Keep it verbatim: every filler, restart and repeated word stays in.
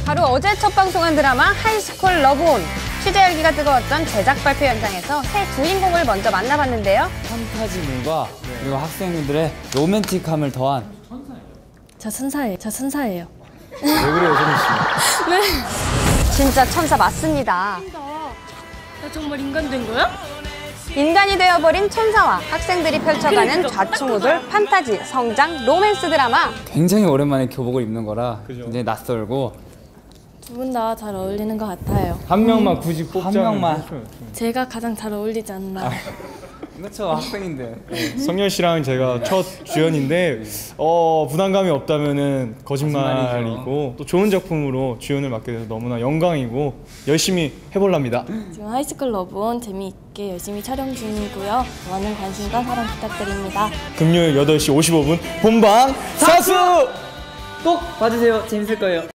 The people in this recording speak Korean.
바로 어제 첫 방송한 드라마 하이스쿨 러브온. 취재 열기가 뜨거웠던 제작 발표 현장에서 새 주인공을 먼저 만나봤는데요. 판타지물과 그리고 학생들의 로맨틱함을 더한 저 천사예요. 저 천사예요. 왜 그래요, 소민 씨? 네. 진짜 천사 맞습니다. 나 정말 인간 된 거야? 인간이 되어버린 천사와 학생들이 펼쳐가는 좌충우돌 판타지, 성장, 로맨스 드라마. 굉장히 오랜만에 교복을 입는 거라 그죠? 굉장히 낯설고 두 분 다 잘 어울리는 것 같아요. 한 명만 굳이 뽑자면 한 명만. 제가 가장 잘 어울리지 않나. 그렇죠, 학생인데. 성열 씨랑 제가 첫 주연인데 어, 부담감이 없다면은 거짓말이고 거짓말이죠. 또 좋은 작품으로 주연을 맡게 돼서 너무나 영광이고 열심히 해볼랍니다. 지금 하이스쿨 러브온 재미있게 열심히 촬영 중이고요. 많은 관심과 사랑 부탁드립니다. 금요일 여덟 시 오십오 분 본방 사수! 꼭 봐주세요. 재밌을 거예요.